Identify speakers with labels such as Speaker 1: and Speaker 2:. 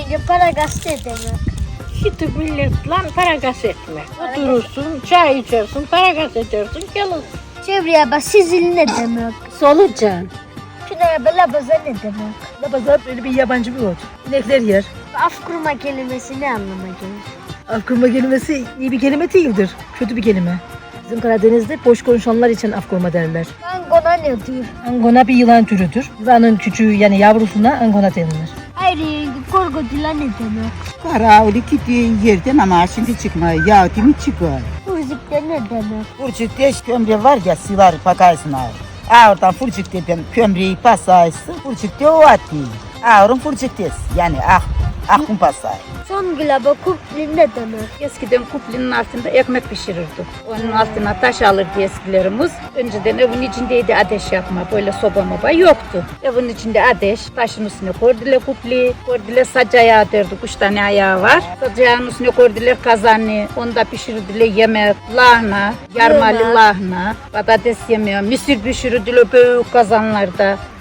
Speaker 1: yenge para gazete demek.
Speaker 2: Şimdi milletle para gaz etme. Oturursun, çay içersin, para gaz edersin, gelirsin.
Speaker 1: Çevreye bak sizil ne demek?
Speaker 2: Solucan.
Speaker 1: Şuraya bak labaza ne demek?
Speaker 3: Labaza böyle bir yabancı bir ot. İnekler yer.
Speaker 1: Af kurma kelimesi ne anlama gelir?
Speaker 3: Af kurma kelimesi iyi bir kelime değildir. Kötü bir kelime. Bizim Karadeniz'de boş konuşanlar için af kurma derler.
Speaker 1: Angona ne diyor?
Speaker 3: Angona bir yılan türüdür. Yılanın küçüğü yani yavrusuna angona denilir.
Speaker 1: Hayır yenge korkutula ne demek?
Speaker 4: Kara öyle gittiğin yerden ama şimdi çıkmaya ya değil mi çıkar?
Speaker 1: Furcukta ne demek?
Speaker 4: Fırçıkta kömre var ya sivar pakarsın ağır. Ağırdan fırçıktadan kömreyi pasaysın. Fırçıkta o atı. Ağırın fırçıktası yani akın pasay.
Speaker 1: Son gülaba kupli ne demek?
Speaker 2: Eskiden kuplinin altında ekmek pişirirdik. Onun altına taş alırdı eskilerimiz. Önceden evin içindeydi ateş yapma, böyle soba moba yoktu. Evin içinde ateş, taşın üstüne koydular kupli, koydular sac ayağı derdik, 3 tane ayağı var. Sac ayağının üstüne koydular kazanı, onda pişirdiler yemek, lahana, yarmalı lahana, patates yemeği, mısır pişirdiler büyük kazanlarda.